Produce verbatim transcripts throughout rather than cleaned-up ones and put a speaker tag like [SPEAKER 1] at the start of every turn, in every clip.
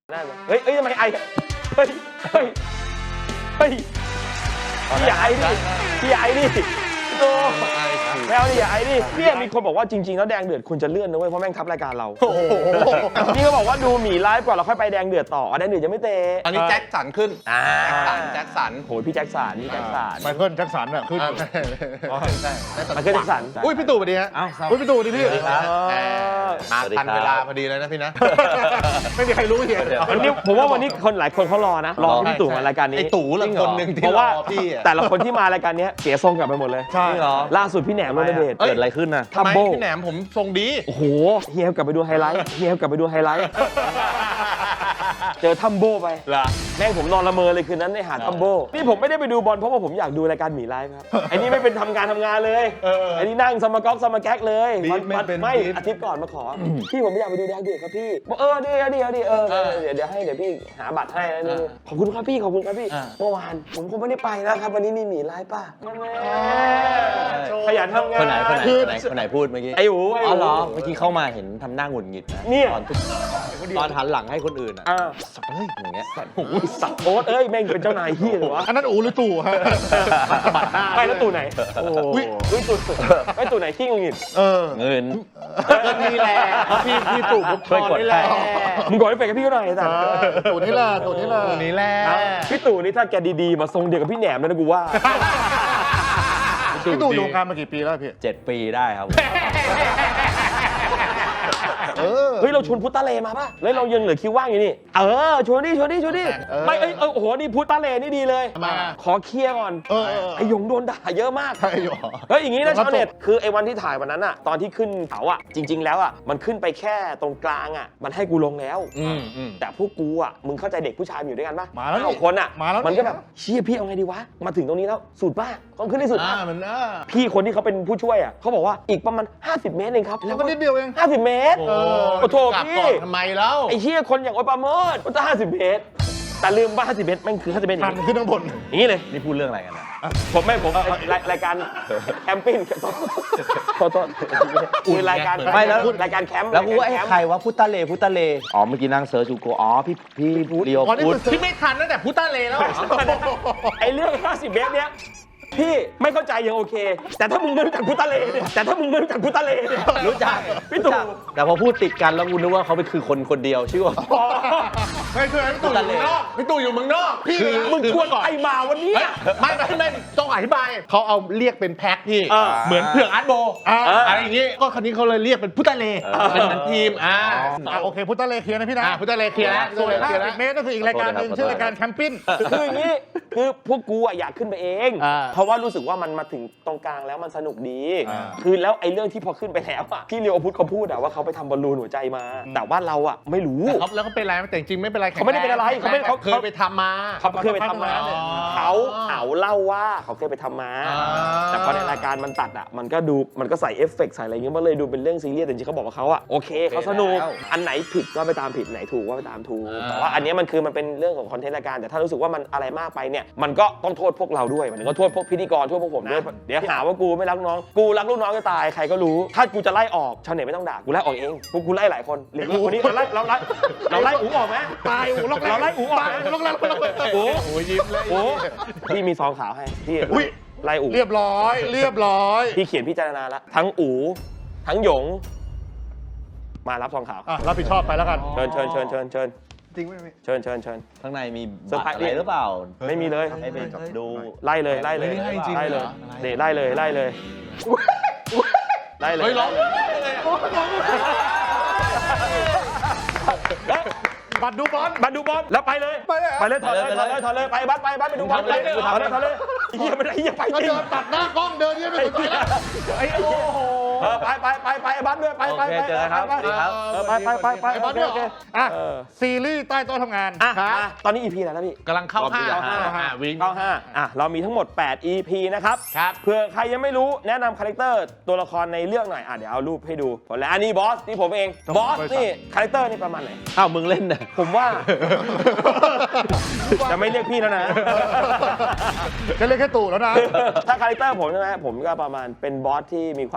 [SPEAKER 1] ได้ไหมเฮ้ยเฮ้ยทำไมไอเฮ้ยเฮ้ยเฮ้ยพี่ไอดิพี่ไอดิโตไม่เอาดิอย่าไอดิเนี่ยมีคนบอกว่าจริงๆแล้วแดงเดือดคุณจะเลื่อนนะเว้ยเพราะแม่งทับรายการเรานี่เขาบอกว่าดูหมีไลฟ์ก่อนเราค่อยไปแดงเดือดต่อแดงเดือดจะไม่เตะ
[SPEAKER 2] อันนี้แจ็คสันขึ้น
[SPEAKER 1] อ่า
[SPEAKER 2] แจ็คสัน
[SPEAKER 1] โหพี่แจ็คสันพี่แจ็คสัน
[SPEAKER 3] ไมเคิลแจ็คสันอ่ะขึ้น
[SPEAKER 2] ใช่
[SPEAKER 1] ไมเคิลแจ็คสัน
[SPEAKER 3] อุ้ยพี่ตู่สวัสดีฮะอุ้ยพี่ตู่สวัสดีพี่
[SPEAKER 2] มาทันเวลาพอดีเลยนะพี่นะ
[SPEAKER 3] ไม่มีใครรู้เหี้ย
[SPEAKER 1] วันนี้ผมว่าวันนี้คนหลายคนเขารอนะรอพี่ตู่มารายการนี้
[SPEAKER 2] ไอ้ตู่ละคนหนึ่งที่
[SPEAKER 1] เพราะว่า
[SPEAKER 2] พี่
[SPEAKER 1] แต่ละคนที่มารายการนี้เสียทรงกลับไปหมดเลย
[SPEAKER 3] ใช่
[SPEAKER 2] เหรอ
[SPEAKER 1] ล่าสุดพี่แหนมโรนเดช
[SPEAKER 2] เกิดอะไรขึ้นน่ะทำไมพี่แหนมผมทรงดี
[SPEAKER 1] โอ้โหเฮียกลับไปดูไฮไลท์เฮียกลับไปดูไฮไลท์เจอทัมโบไปแม่งผมนอนละเมอเลยคืนนั้นในหาดทัมโบนี่ผมไม่ได้ไปดูบอลเพราะว่าผมอยากดูรายการหมีไลฟ์ครับไอ้นี่ไม่เป็นทำงานทำงานเลยไอ้นี่นั่งสมาก๊อกสมาแก๊กเลยไม่อาทิตย์ก่อนมาขอพี่ผมไม่อยากไปดูแดงเดือดครับพี่บอกเออดีดีดีเออเดี๋ยวเดี๋ยวให้เดี๋ยวพี่หาบัตรให้นะนี่ขอบคุณครับพี่ขอบคุณครับพี่เมื่อวานผมคงไม่ได้ไปนะครับวันนี้มีหมีไลฟ์ป่ะขยันทำงาน
[SPEAKER 4] คนไหนคนไหนคนไหนคนไหนพูดเมื่อกี้
[SPEAKER 1] ไอ้หู
[SPEAKER 4] อ๋อเหรอเมื่อกี้เข้ามาเห็นทำหน้าหงุดหงิดนะตอนตอนหันหลังให้คนอื่นอ่ะสับเฮ้ยอย่างเงี้ย
[SPEAKER 1] โอ้ยสับโอ๊ตเอ้ยแม่งเป็นเจ้านายเฮียเลยวะ
[SPEAKER 3] อันนั้นอูหรือตู่ฮะ
[SPEAKER 1] ไปแล้วตู่ไหนโอ้ยตู่ไอ้ตู่ไหนขี้งุดหงิด
[SPEAKER 3] เออ
[SPEAKER 4] เงิน
[SPEAKER 2] เงินนี่แหละพี่พี่ตู่ผมช่วยกดให้
[SPEAKER 1] มึงกดให้ไปกับพี่ก็หน่อยแต่
[SPEAKER 3] ตู่นี่แหละตู่นี่แหละ
[SPEAKER 2] ตู่นี่แหละ
[SPEAKER 1] พี่ตู่นี่ถ้าแกดีๆมาทรงเดียวกับพี่แหนมนะกูว่า
[SPEAKER 3] พี่ตู่อยู่วงการมากี่ปีแล้วพี่
[SPEAKER 4] เจ็ดปีได้ครับ
[SPEAKER 1] เฮ้ยเราชวนพุทธเลมาป่ะแล้วเรายังเหลือคิวว่างอยู่นี่เออชวนดิชวนดิชวนดิไม่เอ้ยโอ้โหนี่พุทธเลนี่ดีเลยขอเคลียร์ก่อนไอหยงโดนด่าเยอะมากเฮ้ยอย่างงี้นะชาวเน็ตคือไอวันที่ถ่ายวันนั้นอะตอนที่ขึ้นเขาอะจริงๆแล้วอะมันขึ้นไปแค่ตรงกลางอะมันให้กูลงแล้วแต่พวกกูอะมึงเข้าใจเด็กผู้ชายอยู่ด้วยกันป่ะ
[SPEAKER 3] มาแล้ว
[SPEAKER 1] คนอะ
[SPEAKER 3] มาแล้ว
[SPEAKER 1] มันก็แบบเชี่ยพี่เอาไงดีวะมาถึงตรงนี้แล้วสุดป่ะต้องขึ้นที่สุดพี่คนที่เขาเป็นผู้ช่วยอะเขาบอกว่าอีกประมาณห้าสิบเมตรเองครับ
[SPEAKER 3] แล้วก็นิดเดียวเอง
[SPEAKER 1] ห้าสิบเมตรโอ้โหพี่
[SPEAKER 2] ทำไมแล้ว
[SPEAKER 1] ไอ้เชี่ยคนอย่างโอ๊ตปราโมชมันจะห้าสิบเมตรแต่ลืมว่าห้าสิบเมตรมันคือห้าสิบเมตร
[SPEAKER 3] อย่างนี้ขึ้นข้างบน
[SPEAKER 1] อย่างนี้เลย
[SPEAKER 4] นี่พูดเรื่องอะไรกันนะ
[SPEAKER 1] ผมไม่ผมรายการแคมปิ้งโทษโทษคือรายการ
[SPEAKER 4] ไม่แล้ว
[SPEAKER 1] รายการแคมป์
[SPEAKER 4] แล้วกูว่าไอ้ใครวะพุทธเลพุทธเลอ๋อเมื่อกี้นั่งเซิร์ชจูโกอ๋อพี่พี่เรียวพูด
[SPEAKER 2] พี่ไม่ทันตั้งแต่พุทธเลแล้ว
[SPEAKER 1] ไอ้เรื่องห้าสิบเมตรเนี้ยพี่ไม่เข้าใจยังโอเคแต่ถ้ามึงไม่รู้จักพุทธเลเนี่ยแต่ถ้ามึงไม่รู้จักพุทธเลเนี่ย
[SPEAKER 4] รู้จัก
[SPEAKER 1] พี่ตู่
[SPEAKER 4] แต่พอพูดติดกันแล้วกูนึกว่าเขาเป็นคือคนคนเดียวชื่อว่า
[SPEAKER 2] ไม่คือพี่ตู่อยู่เมืองนอกพี่ตู่อยู่เมืองนอกพี่
[SPEAKER 1] มึงควรไปมาวันนี้
[SPEAKER 2] ไม่ไม่ไม่ต้องอธิบายเขาเอาเรียกเป็นแพ็คพี่เหมือนเผือกอาร์ตโบอะไรอย่างงี้ก็คราวนี้เขาเลยเรียกเป็นพุทธเลเป็นเหมือนทีมอ่า
[SPEAKER 3] โอเคพุทธเลเคลียร์นะพี่นะ
[SPEAKER 2] พุทธเลเคลียร์แล้ว
[SPEAKER 3] ส่วนห้าสิบเมตรก็คืออีกรายการนึงชื่อรายการแคมปิ้ง
[SPEAKER 1] คืออย่างนี้คือพวกกูอยากขึ้นไปเองเพราะว่ารู้สึกว่ามันมาถึงตรงกลางแล้วมันสนุกดีคือแล้วไอ้เรื่องที่พอขึ้นไปแล้วอ่ะพี่เลียวพุทธเขาพูดอะว่าเขาไปทำบอลลูนหัวใจมาแต่ว่าเราอ่ะไม่รู้
[SPEAKER 2] แล้วเขาเป็นอะไรแต่จริงไม่เป็นไร
[SPEAKER 1] เขาไม่ได้เป็นอะไรเขาไม่
[SPEAKER 2] เขาเคยไปทำมา
[SPEAKER 1] เขาเคยไปทำมาเขาเขาเล่าว่าเขาเคยไปทำมาแต่พอในรายการมันตัดอ่ะมันก็ดูมันก็ใส่เอฟเฟกต์ใส่อะไรเงี้ยมันเลยดูเป็นเรื่องซีเรียสแต่จริงเขาบอกว่าเขาอ่ะโอเคเขาสนุกอันไหนผิดก็ไปตามผิดไหนถูกก็ไปตามถูกแต่ว่าอันนี้มันคือมันเป็นเรื่องของคอนเทนต์รายการแต่ถ้ารู้สึกว่ามันอะไรมากไปเนี่ยมันก็ต้องโทษพวกเราด้วยมันก็โทษพวกพิธีกรโทษพวกผมด้วยเดี๋ยวหาว่ากูไม่รักน้องกูรักลูกน้องจะตายใครก็รู้ถ้ากูจะไล่ออกชาวเน็ตไม่ต้องด่ากูไล่ออกเองพวกกูไล่หลายคนหรือคนนี้เราไล่เราไล่เราไล่อู๋ออกไหม
[SPEAKER 3] ตายอู๋
[SPEAKER 1] เราไล่อู๋ออกไหม
[SPEAKER 3] ล็อกแล้วล็อกแล้ว
[SPEAKER 1] โอ้โหยิ้มเลยโอ้พี่มีซองขาวให้พี่ไล่อู๋
[SPEAKER 3] เรียบร้อยเรียบร้อย
[SPEAKER 1] พี่เขียนพิจารณาแล้วทั้งอู๋ทั้งหยงมารับซองขาว
[SPEAKER 3] รับผิดชอบไปแล้วกัน
[SPEAKER 1] เชิญเชิญเชิญเชิญเชิญ
[SPEAKER 3] จริงไหม
[SPEAKER 1] เชิญเชิญเชิญ
[SPEAKER 4] ข้างในมีบัตรอะไรหรือเปล่า
[SPEAKER 1] ไม่มีเลย
[SPEAKER 4] ให้ไปดู
[SPEAKER 1] ไล่เลยไล่เลยไล่เลยเดี๋ยวไล่เลยไล่เลยไล่เลย
[SPEAKER 2] เฮ้ยร้อง
[SPEAKER 3] บัตรดูบอล
[SPEAKER 1] บัตรดูบอลแล้วไปเลยไปเลยไปเลยถอดเลยถอดเลยถอดเลยไปบัตรไปบัตรไปดูบอลเลยถอดเลยถอดเลยเฮียไม่ได้เฮียไปจริง
[SPEAKER 3] ตัดหน้ากล้องเดินเฮียไม่สนใจแล้ว
[SPEAKER 1] ไอ้โอ้โหไปไปไปไปบัตรด้วยไปไปไป
[SPEAKER 4] เจอครับ
[SPEAKER 1] ไปไปไปไป
[SPEAKER 3] บัตรด้วยอ่ะซีรีส์ใต้โต๊ะทำงาน
[SPEAKER 1] ตอนนี้ อี พี แล้วนะพี่
[SPEAKER 2] กำลังเข้าห้า
[SPEAKER 1] วิ่งเข้าห้าอ่ะเรามีทั้งหมดแปด อี พี นะครับเผื่อใครยังไม่รู้แนะนำคาแรคเตอร์ตัวละครในเรื่องหน่อยอ่ะเดี๋ยวเอารูปให้ดูผลแล้วอันนี้บอสนี่ผมเองบอสนี่คาแรคเตอร์นี่ประมาณไหน
[SPEAKER 4] อ้าวมึงเล่นนะ
[SPEAKER 1] ผมว่าจะไม่เรียกพี่แล้วนะ
[SPEAKER 3] จะเรียกแค่ตู่แล้วนะ
[SPEAKER 1] ถ้าคาแรคเตอร์ผมใช่ไหมผมก็ประมาณเป็นบอสที่มีความแปล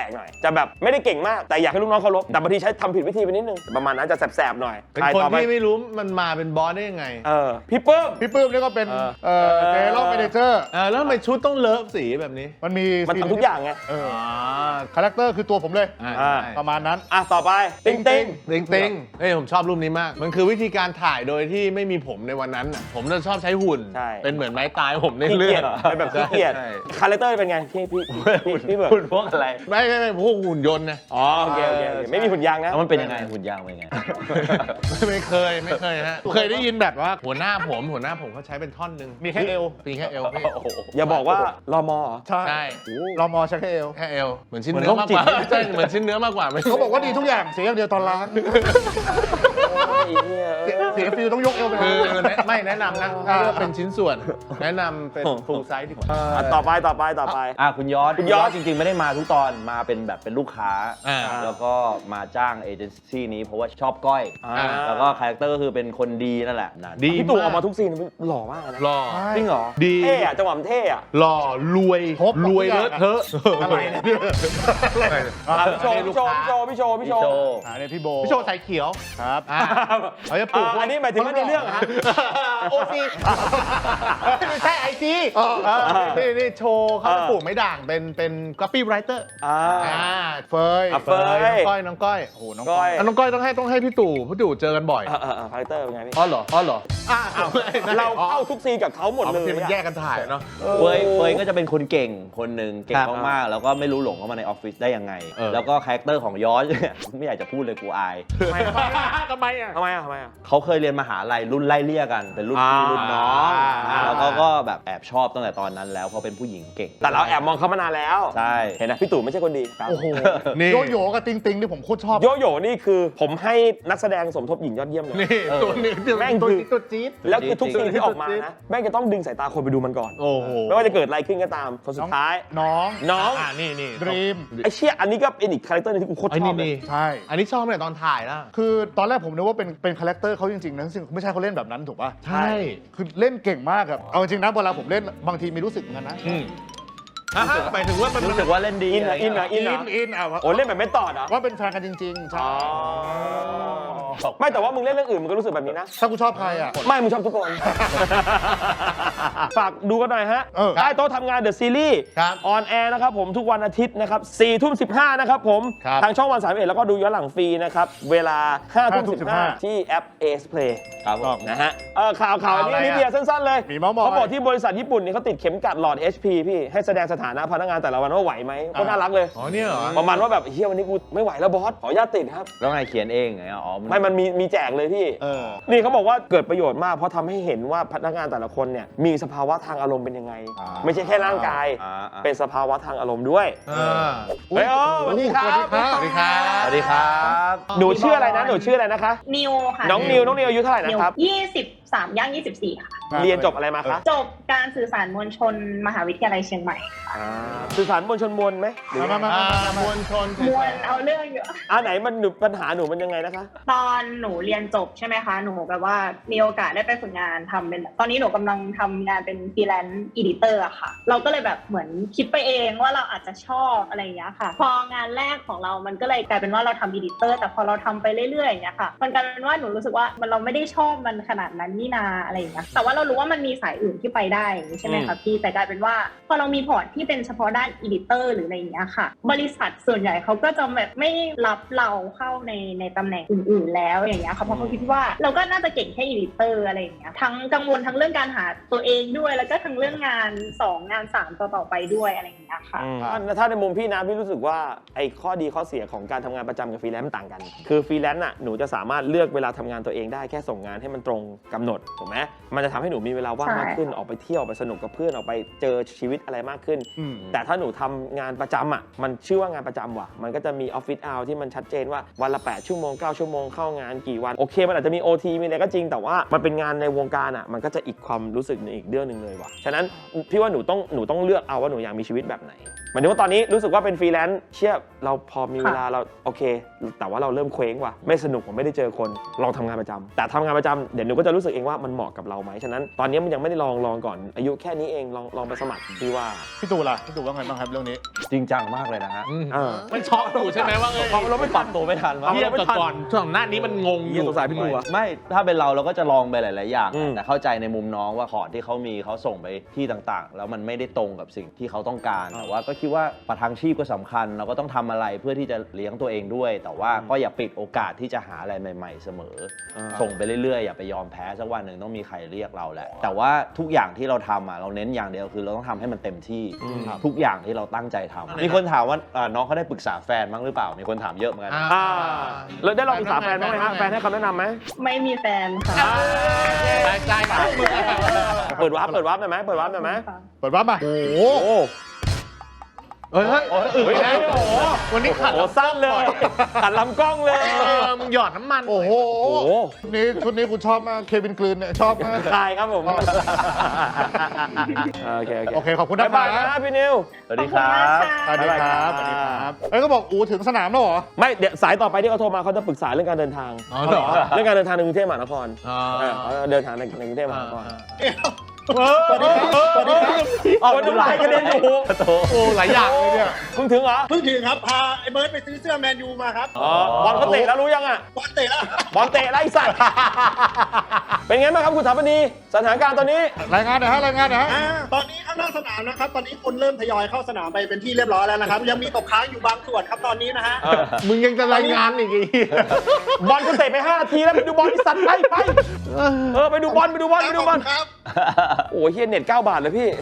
[SPEAKER 1] ลกๆหน่อยจะแบบไม่ได้เก่งมากแต่อยากให้ลูกน้องเคารพแต่บางทีใช้ทำผิดวิธีไปนิดนึงประมาณนั้นจะแสบๆหน่อย
[SPEAKER 2] เป็นคนที่ไม่รู้มันมาเป็นบอสได้ยังไง
[SPEAKER 1] เออพี่เปิ้ม
[SPEAKER 3] พี่ปื้มนี่ก็เป็น
[SPEAKER 1] เออ
[SPEAKER 3] เอ่อเจลล์เมเนเจอร์
[SPEAKER 2] เออแล้วทำไมชุดต้องเลิฟสีแบบนี้
[SPEAKER 3] มันมี
[SPEAKER 1] มันทำทุกอย่างไง
[SPEAKER 3] เออคาแรคเตอร์คือตัวผมเลย
[SPEAKER 2] อ่า
[SPEAKER 1] อ่า
[SPEAKER 2] ใช่
[SPEAKER 3] ประมาณนั้น
[SPEAKER 1] อ่ะต่อไปติ๊งติ๊ง
[SPEAKER 2] ติงติงเฮ้ยผมชอบรูปนี้มาก มันคือวิธีการถ่ายโดยที่ไม่มีผมในวันนั้นน่ะผมจะชอบใช้หุ่น
[SPEAKER 1] ใช่
[SPEAKER 2] เป็นเหมือนไม้ตายผมใน
[SPEAKER 1] ขี้
[SPEAKER 2] เรื่
[SPEAKER 1] เกี
[SPEAKER 2] อย ง
[SPEAKER 1] จเป็นแบบขี้เกียจ
[SPEAKER 2] ใช่
[SPEAKER 1] คาแรคเตอร์เป็นไงพี่พี่พี่พี่เบิร์ด
[SPEAKER 4] หุ่นพวกอะไร
[SPEAKER 2] ไม่ไม่ไม่พวกหุ่นยนต์นะ
[SPEAKER 1] อ๋อโอเคโอเคโอเคไม่มีหุ่นยางนะ
[SPEAKER 4] แล้วมันเป็นยังไงหุ่นยางเป็นยังไง
[SPEAKER 2] ไม่เคยไม่เคยฮะเคยได้ยินแบบว่าหัวหน้าผมหัวหน้าผมเขาใช้เป็นท่อนหนึ่ง
[SPEAKER 3] มีแค่เอว
[SPEAKER 2] มีแค่เอวพี่
[SPEAKER 1] อย่าบอกว่ารอมอเหรอ
[SPEAKER 3] ใช่
[SPEAKER 2] ใช่
[SPEAKER 3] เรามอใช้แค่เอว
[SPEAKER 2] แค่เอวเหมือนชิ้น
[SPEAKER 4] เหมือน
[SPEAKER 2] เนื้อมากกว่า
[SPEAKER 4] โรคจิต
[SPEAKER 2] ใช่เหมือนชิ้นเนื้อมากกว่าไม่
[SPEAKER 3] เขาบอกว่าดีทุกอย่างเสียอย่างเดียวตอนล้าง
[SPEAKER 1] โอ้ยเหี้ย
[SPEAKER 3] เสียเสียฟิลต้องยกเอวไป
[SPEAKER 2] คือแนะไม่แนะนำนะถ้าเลือกเป็นชิ้นส่วน แนะนำเป็นฟูลไซส์ดีกว่า
[SPEAKER 1] อ่ะต่อไปต่อไปต่อไป
[SPEAKER 4] อ่ะคุณยอด
[SPEAKER 1] คุณยอด
[SPEAKER 4] จริงๆไม่ได้มาทุกตอนมาเป็นแบบเป็นลูกค้า
[SPEAKER 2] อ่า
[SPEAKER 4] แล้วก็มาจ้างเอเจนซี่นี้เพราะว่าชอบก้อย
[SPEAKER 1] อ่า
[SPEAKER 4] แล้วก็คาแรคเตอร์ก็คือเป็นคนดีนั่นแหละนั่น
[SPEAKER 2] ดี
[SPEAKER 1] พี่ตู่ออกมาทุกซีนหล่อมากนะ
[SPEAKER 2] หล่อ
[SPEAKER 1] จริงเหรอ
[SPEAKER 2] ดี
[SPEAKER 1] เท่อะจังหวะมันเท่อะ
[SPEAKER 2] หล่อรวย
[SPEAKER 3] ครบ
[SPEAKER 2] รวยเลอะเทอะ
[SPEAKER 3] อะไรเนี่ย
[SPEAKER 1] อ่ะพี่โชว์พี่โชว์พี่โชว์พี่โชว์พี่
[SPEAKER 4] พี่
[SPEAKER 1] โช
[SPEAKER 4] โจ
[SPEAKER 1] ว์
[SPEAKER 3] อ่าเนี่ยพี่โบ
[SPEAKER 2] พี่โชว์สายเขียว
[SPEAKER 3] ครับ
[SPEAKER 2] อ่าเขาจะปลูก
[SPEAKER 1] อ่ะอันนี้หมายถึงว่าในเรื่องเหรอฮะ
[SPEAKER 2] โอซีไม่ใช่ไอซีนี่นี่โชว์เขาจะปลูกไม้ด่างเป็นเป็นก๊อปปี้ไรเตอร์
[SPEAKER 1] อ่า
[SPEAKER 2] อ่า
[SPEAKER 3] เฟย
[SPEAKER 1] อ่ะเฟย
[SPEAKER 2] น้องก้อยน้องก้อย
[SPEAKER 3] โอ้โหน้อง
[SPEAKER 1] ก้อย
[SPEAKER 2] อ่ะน้องก้อยต้องให้ต้องให้พี่ตู่พี่ตู่เจอกันบ่อย
[SPEAKER 1] เออเออเออคาแรคเตอร์เป็นไงพี่
[SPEAKER 4] อ๋อเหรออ๋อเหรอ
[SPEAKER 2] อ่า
[SPEAKER 1] เราเข้าทุกซีนกับเขาหมด
[SPEAKER 2] เอา
[SPEAKER 1] เล
[SPEAKER 2] บาง
[SPEAKER 1] ย
[SPEAKER 2] ทีมัน
[SPEAKER 1] อะ
[SPEAKER 2] แยกกันถ่ายเนาะ
[SPEAKER 4] เฟยเฟยก็จะเป็นคนเก่งคนหนึ่งเก่ง
[SPEAKER 1] ครับ
[SPEAKER 4] มากๆแล้วก็ไม่รู้หลงเข้ามาในออฟฟิศได้ยังไง
[SPEAKER 2] เออ
[SPEAKER 4] แล้วก็คาแรคเตอร์ของยอร์จเนี่ย ไม่อยากจะพูดเลยกูอาย
[SPEAKER 1] ทำไมอะ
[SPEAKER 3] ทำไมอ่ะ
[SPEAKER 1] ทำไมอะทำไมอะ
[SPEAKER 4] เขาเคยเรียนมหาลัยรุ่นไล่เลี่ยกันเป็นรุ่นพี่
[SPEAKER 1] อ่า
[SPEAKER 4] รุ่นน้อง
[SPEAKER 1] อ่า
[SPEAKER 4] แล้วเขาก็แบบแอบชอบตั้งแต่ตอนนั้นแล้วเพราะเป็นผู้หญิงเก่ง
[SPEAKER 1] แต่เราแอบมองเขามานานแล้ว
[SPEAKER 4] ใช่
[SPEAKER 1] เห็นนะพี่ตู่ไม่ใช่คนดีครับ
[SPEAKER 3] โอ้โห
[SPEAKER 2] นี่
[SPEAKER 3] โยโย่กับติงติงที่ผมโคตรชอบ
[SPEAKER 1] โยโย่นี่คือผมให้นักแสดงสมทบหญิงยอดเยี่ยมเลย
[SPEAKER 2] นี่ตัวนี้
[SPEAKER 1] แม่ง
[SPEAKER 2] ตัว
[SPEAKER 1] คือ
[SPEAKER 2] จี๊ดตัวจี๊ด
[SPEAKER 1] แล้วคือทุก
[SPEAKER 4] จริ
[SPEAKER 1] ซี
[SPEAKER 4] ง
[SPEAKER 1] นที่ออกมานะแม่งจะต้องดึงสายตาคนไปดูมันก่อน
[SPEAKER 2] โอ้โห
[SPEAKER 1] ไม่ว่าจะเกิดอะไรขึ้นก็ตามคนสุดท้าย
[SPEAKER 3] น้อง
[SPEAKER 1] น้อง
[SPEAKER 2] อ่านี่นี่
[SPEAKER 3] ดรีม
[SPEAKER 1] ไอ้เชี่ยอันนี้ก็เป็นอีกคาแรคเตอร์นึงที่กูโคตร
[SPEAKER 2] ไอ้
[SPEAKER 1] ชอ
[SPEAKER 2] นี่
[SPEAKER 1] บเลย
[SPEAKER 2] นี่
[SPEAKER 3] ใช่
[SPEAKER 2] อันนี้ชอบตั้งแต่ตอนถ่ายแล้ว
[SPEAKER 3] คือตอนแรกผมนึกว่าเป็นเป็นคาแรคเตอร์เขาจริงๆนะซึ่งไม่ใช่เขาเล่นแบบนั้นถูกป่ะ
[SPEAKER 2] ใช่
[SPEAKER 3] คือเล่นเก่งมากครับเอาจริงนะเวลาผมเล่นบางทีมีรู้สึกเหมือนกันนะ
[SPEAKER 2] อืมอ่ะฮะหมายถึงว่ามัน
[SPEAKER 4] รู้สึกว่าเล่นดี
[SPEAKER 1] อินเหรออินเหรออิ
[SPEAKER 3] อิ
[SPEAKER 1] น
[SPEAKER 3] น
[SPEAKER 1] เหรอ
[SPEAKER 3] อินอ่ะ
[SPEAKER 1] โอ้เล่นแบบไม่ตอดเหรอ
[SPEAKER 3] ว่าเป็นแฟนกันจริงๆใช่
[SPEAKER 1] อ๋อไม่แต่ว่ามึงเล่นเรื่องอื่นมึงก็รู้สึกแบบนี้นะ
[SPEAKER 3] ถ้ากูชอบใครอ่ะ
[SPEAKER 1] ไม่มึงชอบทุกคน ฝากดูกันหน่อยฮะ
[SPEAKER 3] เออ
[SPEAKER 1] ใต้โต๊ะทำงานเดอะซีรีส์
[SPEAKER 2] ครับ
[SPEAKER 1] ออนแอร์นะครับผมทุกวันอาทิตย์นะครับสี่ทุ่มสิบห้านะครับผม
[SPEAKER 2] ครับ
[SPEAKER 1] ทางช่องวันสามสิบเอ็ดแล้วก็ดูย้อนหลังฟรีนะครับ เวลาห้าทุ่ม
[SPEAKER 3] ห้าทุ่ม
[SPEAKER 1] สิบห้า
[SPEAKER 3] สิบห้า
[SPEAKER 1] ที่แอป Ace Play
[SPEAKER 4] ครับผม
[SPEAKER 1] นะฮะเออข่าวข่าวอันนี้
[SPEAKER 3] ข่าวอะไร
[SPEAKER 1] นิดเดียวสั้นๆเลย
[SPEAKER 3] มีเมาส์มอย
[SPEAKER 1] เขาบอกที่บริษัทญี่ปุ่นนี่เขาติดเข็มกัดหลอด เอช พี พี่ให้แสดงสถานะพนักงานแต่ละวันว่าไหวไหมก็น่ารักเลย
[SPEAKER 2] อ๋อเนี่ยเหรอ
[SPEAKER 1] ประมาณว่าแบบเฮียวันนี้กูไม่ไหวแล้วบอสขออนุญาตติดครับ
[SPEAKER 4] แล้วไงเขียนเองไงอ๋อ
[SPEAKER 1] ไม่มันมีมีแจกเลยพี่
[SPEAKER 3] เออ
[SPEAKER 1] นี่เขาบอกว่าเกิดประโยชน์มากเพราะทำให้เห็นว่าพนักงานแต่ละคนเนี่ยมีสภาวะทางอารมณ์เป็นยังไง
[SPEAKER 3] อ่า
[SPEAKER 1] ไม่ใช่แค่ร่างกาย
[SPEAKER 4] อ่าอ่า
[SPEAKER 1] เป็นสภาวะทางอารมณ์ด้วย
[SPEAKER 2] อ่า
[SPEAKER 1] เฮ้ยโอ้สวัสดีครับ
[SPEAKER 3] สวัสดีครับ
[SPEAKER 2] สวัสดีครับ
[SPEAKER 4] สวัสดีครับ
[SPEAKER 1] หนูชื่ออะไรนะหนูชื่ออะไรนะคะ
[SPEAKER 5] นิวค่ะ
[SPEAKER 1] น้องนิวน้องนิวอายุเท่าไหร่นะครับ
[SPEAKER 5] ยี่สิบสามย่างยี่สิบสี่ค่ะ
[SPEAKER 1] เรียนจบอะไรมาคะ
[SPEAKER 5] จบการสื่อสารมวลชนมหาวิทยาลัยเชียงใหม่
[SPEAKER 1] อ่าสื่อสารมวลชนมวลไหมหรือ
[SPEAKER 3] มามา
[SPEAKER 2] อ่ามวลชน
[SPEAKER 5] มวลเอาเรื่องเยอะ
[SPEAKER 1] อ่าไหนมันหนูปัญหาหนูมันยังไงนะคะ
[SPEAKER 5] ตอนหนูเรียนจบใช่ไหมคะ หนูแบบว่ามีโอกาสได้ไปฝึกงานทำเป็น ตอนนี้หนูกำลังทำงานเป็นฟรีแลนซ์อีดิเตอร์อะค่ะ เราก็เลยแบบเหมือนคิดไปเองว่าเราอาจจะชอบอะไรอย่างเงี้ยค่ะ พองานแรกของเรามันก็เลยกลายเป็นว่าเราทำอีดิเตอร์แต่พอเราทำไปเรื่อยๆอย่างเงี้ยค่ะ มันกลายเป็นว่าหนูรู้สึกว่ามันเราไม่ได้ชอบมันขนาดนั้นนี่นาอะไรอย่างเงี้ยแต่ว่าเรารู้ว่ามันมีสายอื่นที่ไปได้อย่างงี้ใช่ไหมคะพี่แต่กลายเป็นว่าพอเรามีพอร์ตที่เป็นเฉพาะด้านอีดิเตอร์หรืออะไรอย่างเงี้ยค่ะ บริษัทส่วนใหญ่เขาก็จะแบบไม่รับเราเข้าในในตำแหน่งอื่นๆแล้วอย่างเงี้ยค่ะเพราะเขาคิดว่าเราก็น่าจะเก่งแค่อีดิเตอร์อะไรอย่างเงี้ยทั้งกังวลทั้งเรื่องการหาตัวเองด้วยแล้วก็ทั้งเรื่องงานสองงานสามต่อต่อไปด้วยอะไรอย่างเงี้ยค่ะ
[SPEAKER 1] ถ้าถ้าในมุมพี่นะพี่รู้สึกว่าไอ้ข้อดีข้อเสียของการทำงานประจำกับฟรีแลนซ์มันต่างกัน คือฟรีแลนซ์น่ะหนูจะสามารถเลือกเวลาทำงานตัวเองได้แค่ส่งงานให้มันตรงกำหนดถูกไหมมันจะทำให้หนูมีเวลาว่าง
[SPEAKER 5] ใช่
[SPEAKER 1] มากขึ้นออกไปเที่ยวออกไปสนุกกับเพื่อนออกไปเจอชีวิตอะไรมากขึ้น
[SPEAKER 3] อืม
[SPEAKER 1] แต่ถ้าหนูทำงานประจำอ่ะมันชื่อว่างานประจำว่ะมันก็จะมีออฟฟิศเอาที่มันชัดเจนว่าวันละแปดชั่วโมงเก้าชั่วโมงเข้างานกี่วันโอเคมันอาจจะมี โอ ที มีอะไรก็จริงแต่ว่ามันเป็นงานในวงการอ่ะมันก็จะอีกความรู้สึกหนึงอีกเรื่องหนึ่งเลยว่ะฉะนั้นพี่ว่าหนูต้องหนูต้องเลือกเอาว่าหนูอยากมีชีวิตแบบไหนหมายถึงว่าตอนนี้รู้สึกว่าเป็นฟรีแลนซ์เชื่อเราพอมีเวลาเราโอเค แต่ว่าเราเริ่มเคว้งว่ะไม่สนุกผมไม่ได้เจอคนลองทำงานประจำแต่ทำงานประจำเดี๋ยวหนูก็จะรู้สึกเองว่ามันเหมาะกับเราไหมฉะนั้นนั้น ตอนนี้มันยังไม่ได้ลองลองก่อนอายุแค่นี้เองลองลองไปสมัครพี่ว่า
[SPEAKER 3] พี่ตู่ล่ะพี่ตู่ว่าไงบ้างครับเรื่องนี้
[SPEAKER 4] จริงจังมากเลยนะฮะ
[SPEAKER 1] เออ
[SPEAKER 2] มันช็อกอยู่ใช่ไหมว่าเออ
[SPEAKER 4] เพราะเราไม่ปรับตัวไม่ทันว่า
[SPEAKER 2] เทียบกับก่อนช่วงหน้านี้มันงงอ
[SPEAKER 1] เหี้ย
[SPEAKER 2] ยู่
[SPEAKER 1] สงสารพี่ตู่อะ
[SPEAKER 4] ไม่ถ้าเป็นเราเราก็จะลองไปหลาย ๆ อย่าง
[SPEAKER 1] อืม
[SPEAKER 4] แต่เข้าใจในมุมน้องว่าคอร์ดที่เขามีเขาส่งไปที่ต่าง ๆ แล้วมันไม่ได้ตรงกับสิ่งที่เขาต้องการแต่ว่าก็คิดว่าประทังชีพก็สำคัญเราก็ต้องทำอะไรเพื่อที่จะเลี้ยงตัวเองด้วย แต่ว่าก็อย่าปิดโอกาสที่จะหาอะไรใหม่ ๆ เสมอ ส่งไปเรื่อย ๆ อย่าไปยอมแพ้สักวันหนึ่งต้องมีใครเรียกเราแหละแต่ว่าทุกอย่างที่เราทำอ่ะเราเน้นอย่างเดียวคือเราต้องทำให้มันเต็มที่ทุกอย่างที่เราตั้งใจทำมีคนถามว่าอ่าน้องเขาได้ปรึกษาแฟนบ้างหรือเปล่ามีคนถามเยอะเหมือนกัน
[SPEAKER 1] อ่าแล้วได้ลองปรึกษาแฟนบ้างไหมฮะแฟนให้คำแนะนำไหม
[SPEAKER 5] ไม่มีแฟนค่ะ
[SPEAKER 2] ใจใจมาก
[SPEAKER 1] เปิดวาร์ปเปิดวาร์ปหน่อยไหมเปิดวาร์ปหน่อยไหม
[SPEAKER 3] เปิดว่ามาโอ้โห
[SPEAKER 1] โอ้
[SPEAKER 2] เฮ้ยเฮ้ยอึ่งแล้วโอ้โหวันนี้ขัด
[SPEAKER 1] โหสั้นเลยขัดลำกล้องเลย
[SPEAKER 2] เออมึงหยอดน้ำมัน
[SPEAKER 3] โอ้โห
[SPEAKER 1] โอ้โห
[SPEAKER 3] ชุดนี้ชุดนี้คุณชอบมากเควินกลืนเนี่ยชอบมาก
[SPEAKER 1] คายครับผมโอเคโอเค
[SPEAKER 3] โอเคขอบคุณ
[SPEAKER 1] บ๊า
[SPEAKER 3] นะ
[SPEAKER 1] ยบาย
[SPEAKER 3] ครั
[SPEAKER 1] นะ
[SPEAKER 3] บ
[SPEAKER 1] พี่นิว
[SPEAKER 4] สวัสดีครับ
[SPEAKER 3] สวัสดีครับสวัสดีครับเอ้ยก็บอกอูถึงสนามแล้วเหรอ
[SPEAKER 1] ไม่เดี๋ยวสายต่อไปที่เขาโทรมาเขาจะปรึกษาเรื่องการเดินทาง
[SPEAKER 2] อ๋อเหรอ
[SPEAKER 1] เรื่องการเดินทางในกรุงเทพมหานคร
[SPEAKER 2] อ๋อ
[SPEAKER 1] เออเขาเดินทางในกรุงเทพมหานคร
[SPEAKER 3] สวัสดีครับสวัสดีครับ
[SPEAKER 1] ออกน้ำลายกระเด็นอยู่
[SPEAKER 2] โอ้หลายอย่างเลยเนี่ย
[SPEAKER 1] เพิ่งถึงเหรอ
[SPEAKER 6] เพิ่งถึงครับ พาไอ้เบิร์ดไปซื้อเสื้อแมนยูมาครับ
[SPEAKER 1] อ๋อบอลเขาเตะแล้วรู้ยังอ่ะ
[SPEAKER 6] บอลเตะแล้ว
[SPEAKER 1] บอลเตะไล่สัตว์เป็นไงบ้างครับคุณถาปนีสถานการณ์ตอนนี้
[SPEAKER 3] รายงานหน่อยฮะรายงานหน่อยฮะ
[SPEAKER 6] อ่าตอนนี้ข้างนอกสนามนะครับ ตอนนี้คนเริ่มทยอยเข้าสนามไปเป็นที่เรียบร้อยแล้วนะครับ ยังมีตกค้างอยู่บางส่วนครับตอนนี้นะฮะ
[SPEAKER 1] เออ
[SPEAKER 2] มึงยังจะรายงานอีกอี
[SPEAKER 1] บอลคุณเตะไปห้านาทีแล้วไปดูบอลที่สัตว์ไปไปเออไปดูบอลไปดูบอลไปดูบอล
[SPEAKER 6] ครับ
[SPEAKER 1] โอ้ยเฮียเน็ตเก้าบาทเลยพี่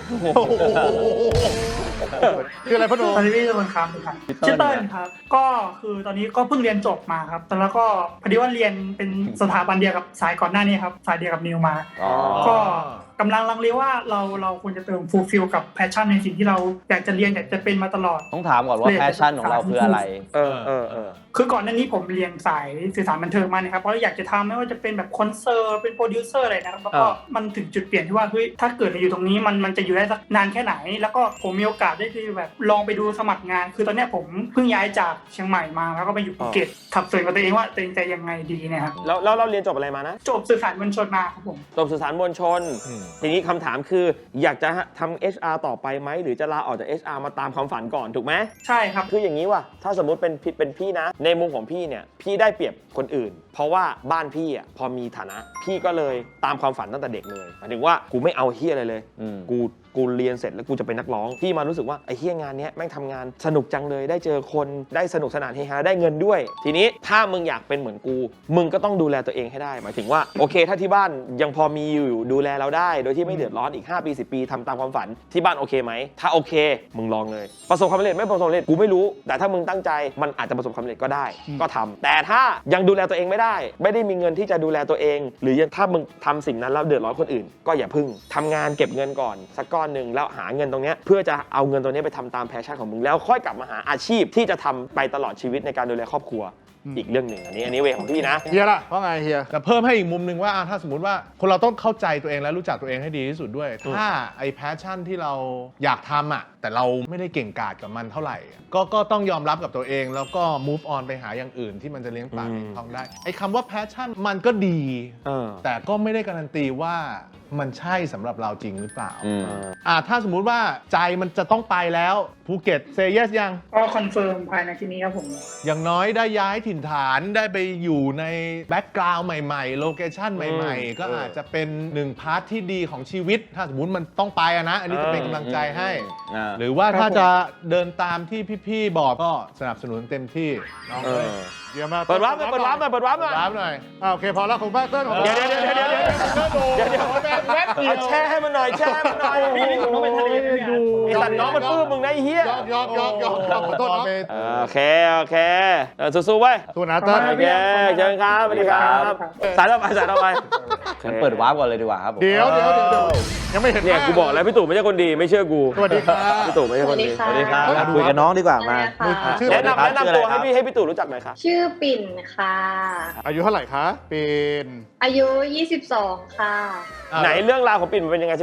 [SPEAKER 3] คืออะไรพ่อหนุ่ม
[SPEAKER 7] ตอนนี้พี่เป็นครับครับชื่อเติ้ลครับ ก็คือตอนนี้ก็เพิ่งเรียนจบมาครับแต่แล้วก็พอดีว่าเรียนเป็นสถาบันเดียวกับสายก่อนหน้านี้ครับสายเดียวกับนิวมา ก็กำลังลังเลว่าเราเราควรจะเติมฟูลฟิลกับแพชชั่นในสิ่งที่เราอยากจะเรียนอยากจะเป็นมาตลอด
[SPEAKER 4] ต้องถามก่อนว่าแพชชั่นของเราคืออะไร
[SPEAKER 1] เออเออเออ
[SPEAKER 7] คือก่อนหน้านี้ผมเรียนสายสื่อสารบันเทิงมานะครับเพราะอยากจะทำไม่ว่าจะเป็นแบบคอนเสิร์ตเป็นโปรดิวเซอร์อะไรนะครับแล้วก็มันถึงจุดเปลี่ยนที่ว่าเฮ้ยถ้าเกิดเราอยู่ตรงนี้มันมันจะอยู่ได้สักนานแค่ไหน แล้วก็ผมมีโอกาสได้ที่แบบลองไปดูสมัครงาน คือตอนเนี้ยผมเพิ่งย้ายจากเชียงใหม่มาแล้วก็ไปอยู่ภูเก็ตขับสวนกับตัวเองว่าตัวเองจะยังไงดีเนะครับ
[SPEAKER 1] แล้วแล้วเราเรียนจบอะไรมานะ
[SPEAKER 7] จบสื่อสารมวลชนมาครับผม
[SPEAKER 1] จบสื่อสารมวลชน ทีนี้คำถามคืออยากจะทำ เอช อาร์ ต่อไปไหมหรือจะลาออกจาก เอช อาร์ มาตามความฝันก่อนถูกไหม
[SPEAKER 7] ใช่ครับ
[SPEAKER 1] คืออย่างนี้ว่ะถ้าสมมุติเป็นพี่เป็นพี่นะ ในมุมของพี่เนี่ยพี่ได้เปรียบคนอื่น เพราะว่าบ้านพี่อ่ะพอมีฐานะ พี่ก็เลยตามความฝันตั้งแต่เด็กเลยหมายถึงว่ากูไม่เอาเฮียอะไรเลย
[SPEAKER 4] อืม
[SPEAKER 1] กูกูเรียนเสร็จแล้วกูจะเป็นนักร้องพี่มารู้สึกว่าไอ้เฮียงานเนี้ยแม่งทำงานสนุกจังเลยได้เจอคนได้สนุกสนานเฮฮาได้เงินด้วย ทีนี้ถ้ามึงอยากเป็นเหมือนกู มึงก็ต้องดูแลตัวเองให้ได้ หมายถึงว่าโอเค ถ้าที่บ้านยังพอมีอยู่ดูแลเราได้ โดยที่ไม่เดือดร้อนอีกห้าปีสิบปีทำตามความฝันที่บ้านโอเคไหมถ้าโอเคมึงลองเลยประสบความสำเร็จไม่ประสบความสำเร็จกูไม่รู้แต่ถ้ามึงตั้งใจมันอาจจะประสบความสำเร็จก็ได้ก็ทำแต่ถ้ายังดูแลตัวเองไม่ได้ไม่ได้มีเงินที่จะดูแลตัวเอง หรือยังถ้ามึงทำสิ่งนั้นแล้วเดือดร้อนคนอื่น ก็อย่าพึ่งทำงานเก็บเงินก่อนสักก้อนหนึ่งแล้วหาเงินตรงนี้เพื่อจะเอาเงินตรงนี้ไปทำตามแพชชั่นของมึงแล้วค่อยกลับมาหาอาชีพที่จะทำไปตลอดชีวิตในการดูแลครอบครัวอีกเรื่องหนึ่งอันนี้อันนี้เวของพี่นะ
[SPEAKER 3] เฮียล่ะว่าไงเฮีย
[SPEAKER 2] แต่เพิ่มให้อีกมุมหนึ่งว่าอ่ะถ้าสมมติว่าคนเราต้องเข้าใจตัวเองและรู้จักตัวเองให้ดีที่สุดด้วย ถ้าไอ้แพชชั่นที่เราอยากทำอ่ะแต่เราไม่ได้เก่งกาจกับมันเท่าไหร่อ่ะก็ก็ต้องยอมรับกับตัวเองแล้วก็ move on ไปหาอย่างอื่นที่มันจะเลี้ยงปากเลี้ยงท้องได้ไอ้คำว่าแพชชั่นมันก็ดี
[SPEAKER 1] เออ
[SPEAKER 2] แต่ก็ไม่ได้การันตีว่ามันใช่สำหรับเราจริงหรือเปล่า
[SPEAKER 4] อืม
[SPEAKER 2] อ่าถ้าสมมุติว่าใจมันจะต้องไปแล้วภูเก็ตเซเยสยัง
[SPEAKER 7] ก็คอนเฟิร์มภายในที่นี้ครับผม
[SPEAKER 2] อย่างน้อยได้ย้ายถิ่นฐานได้ไปอยู่ในแบ็กกราวด์ใหม่ๆ โลเคชั่นใหม่ๆ ก็อาจจะเป็นหนึ่งพาร์ทที่ดีของชีวิต ถ้าสมมติมันต้องไปอะนะ อันนี้จะเป็นกำลังใจให้
[SPEAKER 4] อ่า
[SPEAKER 2] หรือว่าถ้าจะเดินตามที่พี่ๆบอกก็สนับสนุนเต็มที่น้อง
[SPEAKER 1] เอ
[SPEAKER 2] เอ้ย
[SPEAKER 1] อ
[SPEAKER 3] เยี่ยมมาก
[SPEAKER 1] เปิดวาร์ปหน่อยเปิดวาร์ปหน่อยเปิดวาร์ปหน่อย
[SPEAKER 2] รับหน่อย
[SPEAKER 3] อ่าโอเคพอแล้วของบ้านเติ้ลของ
[SPEAKER 1] เดี๋ยวเดี๋ยวเดี๋ยวเดี๋ยวเดี๋ยวเดี๋ยวเดี๋ยวเอาแช่ให้มันหน่อยแช่ให้มันหน่อย
[SPEAKER 7] พี่นี่ผมต้องไปทะเลไหมเนี่ย
[SPEAKER 1] ไอ้สัตว์น้องมันปลื้มมึงนะไอ้เหี้ย
[SPEAKER 3] ยอกยอกยอกยอกยอกขอโทษเนาะ
[SPEAKER 1] เออโอเคโอเคเออสู้ๆไว้ย
[SPEAKER 3] ตัวนะเติ้ล
[SPEAKER 1] โอเคเชิญครับสวัสดีครับสายต่อไปสายต่อไป
[SPEAKER 4] งั้นเปิดวาร์ปก่อนเลยดีกว่าครับผม
[SPEAKER 3] เดี๋ยวเดี๋ยวเดี๋ยวเดี๋ยวยังไม่เห็น
[SPEAKER 1] เนี่ยกูบอกแล้วพี่ตู่ไม่ใช่คนดีไม่เชื่อกู
[SPEAKER 3] สวัสดีครับ
[SPEAKER 1] พี่ตู่ไม่ใช่คนดี
[SPEAKER 5] สวัสดีค่ะ
[SPEAKER 4] มาคุยกับน้องดีกว่ามา
[SPEAKER 3] ชื่อ
[SPEAKER 1] แนะนำแนะนำตัวให้
[SPEAKER 4] ชื่ออะไรครับ
[SPEAKER 1] พี่ให้พี่ตู่รู้จักหน่อยครับ
[SPEAKER 5] ชื่อปิ่นค่ะ
[SPEAKER 3] อายุเท่าไหร่คะเป็น
[SPEAKER 5] อายุ ยี่สิบสอง ค่ะ
[SPEAKER 1] ไหนเรื่องราวของปิ่นมันเป็นยังไงสิคะ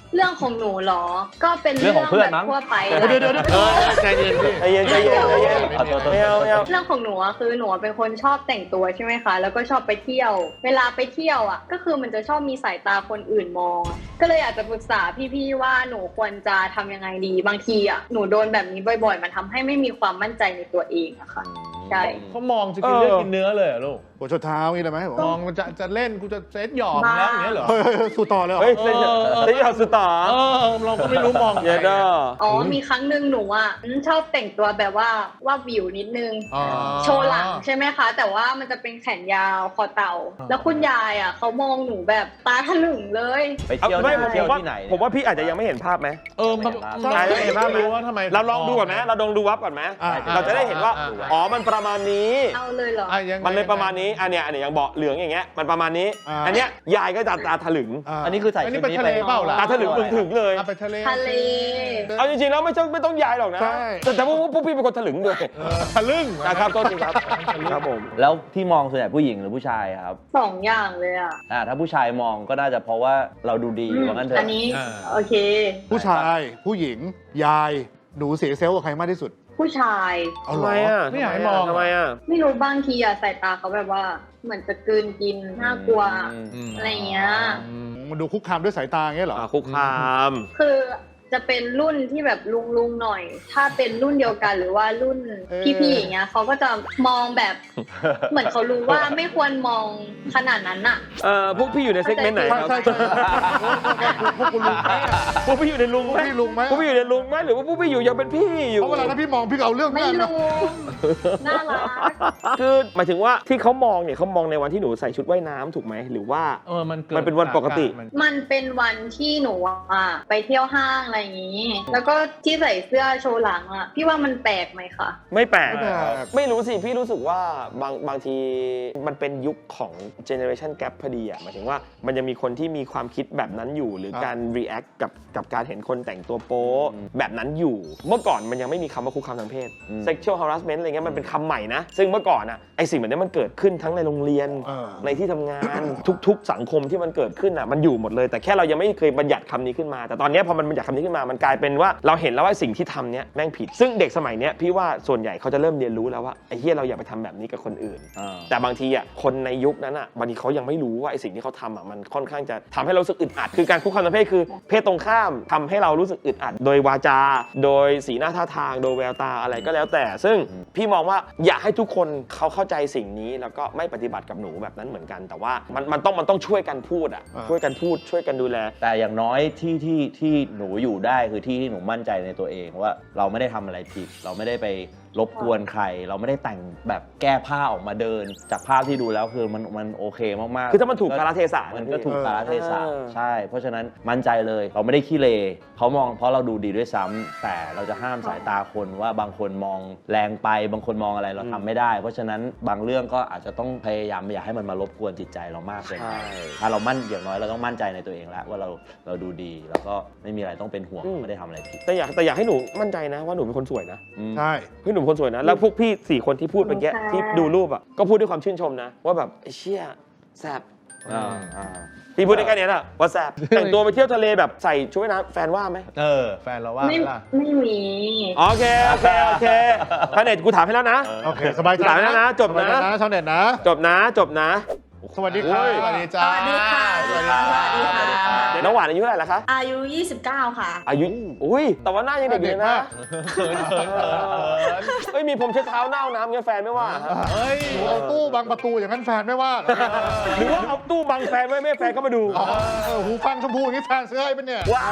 [SPEAKER 5] เรื่องของหนูเหรอก็เป็น
[SPEAKER 4] เรื่องของเพื่อนมั้ง
[SPEAKER 5] แบบทั่วไป
[SPEAKER 3] เดี๋ยวเดี๋ยวเดี๋ยว
[SPEAKER 2] เออใจเย็นพี่
[SPEAKER 1] ใจเย็นใจเย็นใจเย็น
[SPEAKER 4] เอาตัวตัว
[SPEAKER 1] ไม่เอาไม่เอา
[SPEAKER 5] เรื่องของหนูอะคือหนูเป็นคนชอบแต่งตัวใช่ไหมคะแล้วก็ชอบไปเที่ยว เวลาไปเที่ยวอ่ะก็คือมันจะชอบมีสายตาคนอื่นมองอะก็เลยอยากจะปรึกษาพี่ๆว่าหนูควรจะทำยังไงดีบางทีอ่ะหนูโดนแบบนี้บ่อยๆ มันทำให้ไม่มีความมั่นใจในตัวเองอะค่ะใช่
[SPEAKER 2] เขามองจะกินเลือดกินเนื้อเลยเหรอลูก
[SPEAKER 3] หัวชดเท้านี่เลยไหมผม
[SPEAKER 2] มองมันจะจะเล่นกูจะเซตหยอกแล้วอย่างเงี้ยเหรอ
[SPEAKER 3] เฮ้ยเฮ้ยเฮ้ยสู้ต่อเลยเหรอ
[SPEAKER 1] เฮ้ยเซนเซนยอดสุดต่อ
[SPEAKER 2] เออเราก็ไม่รู้มอง
[SPEAKER 1] เยอะเด้อ
[SPEAKER 5] อ๋อมีครั้งหนึ่งหนูอ่ะชอบแต่งตัวแบบว่าว่าวิวนิดนึง
[SPEAKER 2] อ๋อ
[SPEAKER 5] โชว์หลังใช่ไหมคะ แต่ว่ามันจะเป็นแขนยาวคอเต่า แล้วคุณยายอ่ะเขามองหนูแบบตาถลึงเลย
[SPEAKER 4] ไปเที่ยว
[SPEAKER 1] ไม่ผม
[SPEAKER 4] เที่ยว
[SPEAKER 1] ว่า
[SPEAKER 4] ที่ไหน
[SPEAKER 1] ผมว่าพี่อาจจะยังไม่เห็นภาพไหม
[SPEAKER 2] เออมัน
[SPEAKER 1] ใช่เห็นภาพไหม
[SPEAKER 2] รู้ว่าทำไม
[SPEAKER 1] เราลองดูก่อนไหมเราลองดูวับก่อนไหม
[SPEAKER 3] อ่า
[SPEAKER 1] เราจะได้เห็นว่า
[SPEAKER 2] อ่าอ่า
[SPEAKER 1] อ๋อมันประมาณนี้
[SPEAKER 5] เอาเลยเหรอ
[SPEAKER 2] อ่ะยังไง
[SPEAKER 1] มันเลยประมาณนี้อันเนี้ยอันเนี้ยอย่างเบาะเหลืองอย่างเงี้ยมันประมาณนี้
[SPEAKER 3] อ่า
[SPEAKER 1] อันเนี้ยยายก็จะตาถลึง
[SPEAKER 3] า
[SPEAKER 4] อันนี้คือใส่
[SPEAKER 2] อัน
[SPEAKER 4] ชุ
[SPEAKER 2] นี้
[SPEAKER 4] ด
[SPEAKER 2] ไป
[SPEAKER 4] นี้
[SPEAKER 2] ทะเลเปล่าล่ะ
[SPEAKER 1] ตาถลึงถึงๆเลย
[SPEAKER 2] เอาไปทะเล
[SPEAKER 5] ทะเล
[SPEAKER 1] เอาจริงๆแล้วไม่ต้องไม่ต้องยายหรอกนะ
[SPEAKER 3] ใช่
[SPEAKER 1] แต่แต่พวกพวกพี่เป็นคนถลึงด้วย
[SPEAKER 2] เออทะลึ่ง
[SPEAKER 1] นะครับต้นจริงครับครับผม
[SPEAKER 4] แล้วที่มองส่วนใหญ่ผู้หญิงหรือผู้ชายครับ
[SPEAKER 5] สองอย่างเลยอ่ะ
[SPEAKER 4] อ่าถ้าผู้ชายมองก็น่าจะเพราะว่าเราดูดีว่างั้นเถ
[SPEAKER 5] อั
[SPEAKER 4] อะ
[SPEAKER 5] นนี้โอเค
[SPEAKER 3] ผู้ชายผู้หญิงยายหนูเสียเซลล์กับใครมากที่สุด
[SPEAKER 5] ผู้ชาย
[SPEAKER 3] เอา
[SPEAKER 1] ทำ
[SPEAKER 3] เหร
[SPEAKER 1] ไม
[SPEAKER 3] อ
[SPEAKER 1] อ่ะ
[SPEAKER 2] ไม่อยากให้มอง
[SPEAKER 1] ทำไมอ่ะ
[SPEAKER 5] ไม่รู้บางทีอะสายตาเขาแบบว่าเหมือนจะกลืนกินน่ากลัว
[SPEAKER 2] อืม
[SPEAKER 5] อะไรอย่างเงี้ย
[SPEAKER 3] มันดูคุกคามด้วยสายตาอย่างเงี้ยเหรอ
[SPEAKER 1] อ่ะคุกคาม
[SPEAKER 5] คือจะเป็นรุ่นที่แบบลุงลุงๆหน่อย ถ้าเป็นรุ่นเดียวกันหรือว่ารุ่นพี่ๆอย่างเงี้ยเขาก็จะมองแบบ เหมือนเขารู้ว่าไม่ควรมองขนาดนั้นอะ
[SPEAKER 1] เอ่อพวกพี่อยู่ในเซกเมนต์ไหน
[SPEAKER 3] ใช่
[SPEAKER 1] ครับ
[SPEAKER 3] ใช่ใช่พวกคุณลุงไหมอะ
[SPEAKER 1] พวกพี่อยู่ในลุง
[SPEAKER 3] พวก
[SPEAKER 1] ไหม
[SPEAKER 3] พี่ลุงไหม
[SPEAKER 1] พวกพี่อยู่ในลุงไหมหรือว่าพวกพี่อยู่ยังเป็นพี่อยู่
[SPEAKER 3] เพราะเวลาถ้าพี่มองพี่ก็เอาเรื่อง
[SPEAKER 5] ไม่
[SPEAKER 3] แม่นะ
[SPEAKER 5] ลุงน่ารัก
[SPEAKER 1] คือหมายถึงว่าที่เขามองเนี่ยเขามองในวันที่หนูใส่ชุดว่ายน้ำถูกไหมหรือว่า
[SPEAKER 2] เออมันกิด
[SPEAKER 1] มันเป็นวันปกติ
[SPEAKER 2] มัน
[SPEAKER 5] มันเป็นวันที่หนูอะไปเที่ยวห้างอะไรอย่างงี้ แล้วก็ที่ใส่เสื้อโชว์หลังอะพี่ว่ามันแปลกไหมคะ
[SPEAKER 1] ไม่แปลก
[SPEAKER 3] ไม่แปลก
[SPEAKER 1] ไม่รู้สิ พี่รู้สึกว่าบางบางทีมันเป็นยุคของ generation gap พอดีอ่ะหมายถึงว่ามันยังมีคนที่มีความคิดแบบนั้นอยู่ หรือการ react กับกับการเห็นคนแต่งตัวโป๊ะแบบนั้นอยู่ เมื่อก่อนมันยังไม่มีคำว่าคุกคามทางเพศ
[SPEAKER 4] อืม
[SPEAKER 1] sexual harassment อะไรเงี้ยมันเป็นคำใหม่นะ ซึ่งเมื่อก่อนอ่ะไอสิ่งแบบนี้มันเกิดขึ้นทั้งในโรงเรียน
[SPEAKER 3] เออ
[SPEAKER 1] ในที่ทำงาน ทุกๆ สังคมที่มันเกิดขึ้นอ่ะมันอยู่หมดเลย แต่แค่เรายังไม่เคยบัญญัติคำนี้ขึ้นมา แต่ตอนนี้พอมันบัญญัติคำนี้ขึ้นมามันกลายเป็นว่าเราเห็นแล้วว่าสิ่งที่ทำเนี้ยแม่งผิด ซึ่งเด็กสมัยเนี้ยพี่ว่าส่วนใหญ่เขาจะเริ่มเรียนรู้แล้วว่าไอ้เฮียเราอย่าไปทำแบบนี้กับคนอื่น
[SPEAKER 4] อ่า
[SPEAKER 1] แต่บางทีอ่ะคนในยุคนั้นอ่ะบางทีเขายังไม่รู้ว่าไอ้สิ่งที่เขาทำอ่ะมันค่อนข้างจะทำให้เรารู้สึกอึดอัดคือการคุกคามทางเพศคือเพศตรงข้ามทำให้เรารู้สึกอึดอัดโดยวาจา โดยสีหน้าท่าทางโดยแววตาอะไรก็แล้วแต่ ซึ่งพี่มองว่าอยากให้ทุกคนเขาเข้าใจสิ่งนี้แล้วก็ไม่ปฏิบัติกับหนูแบบนั้นเหมือนกัน แต่ว่ามันมันต้องมันต้องช่วยกันพูดอ่ะ
[SPEAKER 3] อ่า
[SPEAKER 1] ช่วยกันพูดช่วยกันดูแล
[SPEAKER 4] แต่อย่างน้อยที่ที่ที่หนูอยู่ได้คือที่ที่หนูมั่นใจในตัวเองว่าเราไม่ได้ทำอะไรผิด เราไม่ได้ไปรบกวนใคร เราไม่ได้แต่งแบบแก้ผ้าออกมาเดิน จากภาพที่ดูแล้วคือมันมันโอเคมากๆ
[SPEAKER 1] คือถ้ามันถูกกาลเทศะ
[SPEAKER 4] มัน
[SPEAKER 1] นะพี่
[SPEAKER 4] ก็ถูกกาลเทศะ
[SPEAKER 1] เออ
[SPEAKER 4] ใช่ เพราะฉะนั้นมั่นใจเลยเราไม่ได้ขี้เลเขามองเพราะเราดูดีด้วยซ้ำแต่เราจะห้ามสายตาคนว่าบางคนมองแรงไปบางคนมองอะไรเราทำไม่ได้ เพราะฉะนั้นบางเรื่องก็อาจจะต้องพยายามอย่าให้มันมารบกวนจิตใจเรามากเกินไป
[SPEAKER 1] ใช่
[SPEAKER 4] ถ้าเรามั่นอย่างน้อยเราต้องมั่นใจในตัวเองแล้วว่าเราเราดูดีแล้วก็ไม่มีอะไรต้องเป็นห่วงไม่ได้ทำอะไรผิด
[SPEAKER 1] แต่อยากแต่อยากให้หนูมั่นใจนะว่าหนูเป็นคนสวยนะ
[SPEAKER 4] อืม
[SPEAKER 3] ใช่
[SPEAKER 1] พี่หนูเป็นคนสวยนะแล้วพวกพี่สี่คนที่พูดเมื่อกี้
[SPEAKER 5] ค่ะ
[SPEAKER 1] ที่ดูรูปอ่ะก็พูดด้วยความชื่นชมนะว่าแบบไอ้เชี่ยแซ่บ
[SPEAKER 4] อ่าอ่า
[SPEAKER 1] พี่พูดได้แค่เนี้ยน่ะว่าแซ่บแต่งตัวไปเที่ยวทะเลแบบใส่ชุดว่ายน้ำแฟนว่าไหม
[SPEAKER 2] เออ แฟนเราว่า
[SPEAKER 5] ไม่
[SPEAKER 2] ล่ะ
[SPEAKER 5] ไม่มี
[SPEAKER 1] โอเคโอเคโอเคพาเน็ตกูถามให้แล้วนะ
[SPEAKER 3] โอเคสบายใจ
[SPEAKER 1] สายแล้วนะจบนะ
[SPEAKER 3] สายใจนะชาวเน็ตนะ
[SPEAKER 1] จบนะจบนะ
[SPEAKER 3] สวัสดีครับ
[SPEAKER 1] โอ้ย
[SPEAKER 3] สวัสดีจ้า
[SPEAKER 8] สวัสดีค่ะ
[SPEAKER 3] สวัสดีครับ
[SPEAKER 8] สวัสดีค่ะ
[SPEAKER 1] เดี๋ยวน้องหวานอายุเท่าไหร่แล้วคะ
[SPEAKER 8] อายุ ยี่สิบเก้า ค่ะ
[SPEAKER 1] อายุอุ้ยแต่ว่าหน้ายังเด็กอยู่เลยนะ
[SPEAKER 2] เขินเขินเขิน
[SPEAKER 1] เฮ้ยมีผมเช็ดเท้าเน่าน้ำเงี้ยแฟนไม่ว่าฮะ
[SPEAKER 2] เฮ้ย
[SPEAKER 3] หนูเอาตู้บังประตูอย่างนั้นแฟนไม่ว่าเหรอ
[SPEAKER 1] หรือว่าเอาตู้บังแฟนไว้ไม่ให้แฟนเข้ามาดู
[SPEAKER 3] อ๋อเออหูฟังชมพูอย่างนี้แฟนซื้อให้เป็นเนี่ย
[SPEAKER 1] ว้าว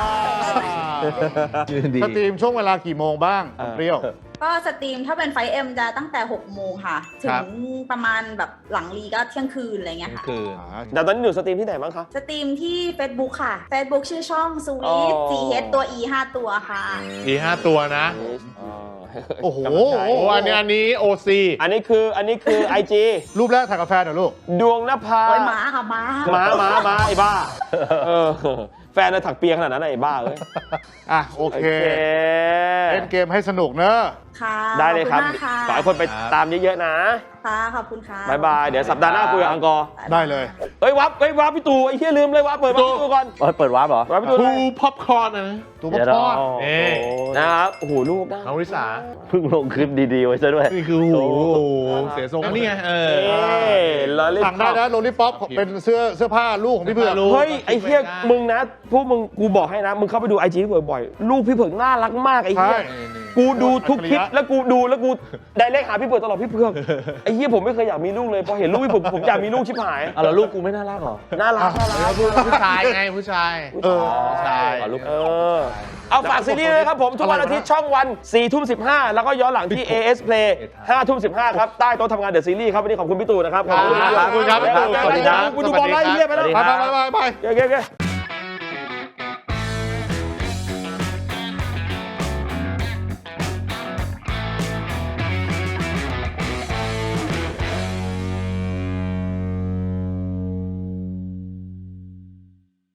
[SPEAKER 4] ชื่นดี
[SPEAKER 3] สตรีมช่วงเวลากี่โมงบ้างเปรี้ยว
[SPEAKER 8] ก็สตรีมถ้าเป็นไฟเอ็มจะตั้งแต่ หกโมงค่ะ ถึ
[SPEAKER 2] ครั
[SPEAKER 8] ง
[SPEAKER 2] บ
[SPEAKER 8] ประมาณแบบหลังรีก็เที่ยงคืนอะไรเงี้ยค่ะ
[SPEAKER 2] คือ
[SPEAKER 1] แต่ตอนนี้หนูสตรีมที่ไหนบ้างคะ
[SPEAKER 8] สตรีมที่ Facebook ค่ะ Facebook ชื่อช่อง
[SPEAKER 1] อ๋อ
[SPEAKER 8] Sweet จี เอช ตัว E ห้าตัวค่ะ
[SPEAKER 2] อีห้าตัวนะ
[SPEAKER 1] อ๋อ
[SPEAKER 3] โอ้โห
[SPEAKER 2] โอ้อันนี้อันนี้โอซี
[SPEAKER 1] อันนี้คืออันนี้คือ ไอ จี
[SPEAKER 3] รูปแรกถ่ายกาแฟนเหรอลูก
[SPEAKER 1] ดวงนภา
[SPEAKER 8] โอ้ยหมาค่ะหมา
[SPEAKER 1] ม้าม้าม้าไอ้บ้าเออแฟนน่ะถักเปียขนาดนั้นน่ะไอ้บ้าเอ้ย
[SPEAKER 3] อ่ะโอ
[SPEAKER 1] โอ
[SPEAKER 3] เค
[SPEAKER 1] เค
[SPEAKER 3] เล่นเกมให้สนุกเนอะ
[SPEAKER 8] ค่ะ
[SPEAKER 1] ได้เลยครับ
[SPEAKER 8] ขอบคุณมากค่ะ
[SPEAKER 1] ขอให้คนไปตามเยอะๆนะ
[SPEAKER 8] ค่ะขอบคุณค่ะ
[SPEAKER 1] บายบายเดี๋ยวสัปดาห์หน้าคุยกับอังกอร์
[SPEAKER 3] ได้เลย
[SPEAKER 1] เฮ้ยวับเฮ้ยวับพี่ตู่ไอ้เหี้ยลืมเลยวับเปิดวับพี่ตู่ก่อน
[SPEAKER 4] เอ้ยเปิดวาร์ปเหรอ
[SPEAKER 1] วับพี่ตู่
[SPEAKER 2] ทู
[SPEAKER 1] เลย
[SPEAKER 2] พ็อปคอร์นนะ
[SPEAKER 3] ตัว
[SPEAKER 4] เดี๋ยว
[SPEAKER 3] พ่อ
[SPEAKER 4] เรา
[SPEAKER 2] เอ๊ะ
[SPEAKER 1] นะครับโอ้โหลูกนะ
[SPEAKER 2] น้องริสา
[SPEAKER 4] เพิ่งลงคลิปดีๆไว้ซะด้วย
[SPEAKER 2] นี่คือโอ้โหเสียทรงนี่ไงเออ
[SPEAKER 1] เอ้ยลอลิ
[SPEAKER 3] สั่งได้นะโรลลี่ป๊อปเป็นเสื้อเสื้อผ้าลูกของพี่เผือก
[SPEAKER 2] ลูก
[SPEAKER 1] เฮ้ยไอ้เหี้ยมึงนะพวกมึงกูบอกให้นะ มึงเข้าไปดูไอจีพี่เผือกบ่อยลูกพี่เผือกน่ารักมากไอ้เหี้ย
[SPEAKER 3] ใช่
[SPEAKER 1] กูดูทุกคลิปแล้วกูดูแล้วกูได้เลขหาพี่เผือกตลอดพี่เผือกไอ้เหี้ยผมไม่เคยอยากมีลูกเลยพอเห็นลูกพี่เผือกผมอยากมีลูกชิบหาย
[SPEAKER 4] อ่ะแล้วลูกกูไม่น่ารักเหรอ
[SPEAKER 1] น่ารักน่ารัก
[SPEAKER 2] ผู้ชายไงผู้ชาย
[SPEAKER 3] เออ
[SPEAKER 2] ผู้ชาย
[SPEAKER 4] อ๋อลูก
[SPEAKER 1] เออเอาฝากซีรีส์เลยครับผมทุกวันอาทิตย์ช่องวันสี่ทุ่มสิบห้าแล้วก็ย้อนหลังที่ เอ เอส Play ห้าทุ่มสิบห้าครับใต้โต๊ะทำงานเดอะซีรีส์ครับวันนี้ขอบคุณพี่ตู่นะครับ
[SPEAKER 2] ขอบคุณครับขอบคุณครับ
[SPEAKER 1] สวัสดีครับ
[SPEAKER 2] สวัสดีครับ
[SPEAKER 1] กูดูบอลไล่เหี้ยไปแล้ว
[SPEAKER 4] สวัสดี
[SPEAKER 3] ไป
[SPEAKER 4] ครับ
[SPEAKER 3] ไปไปไป
[SPEAKER 1] โอเคโอเค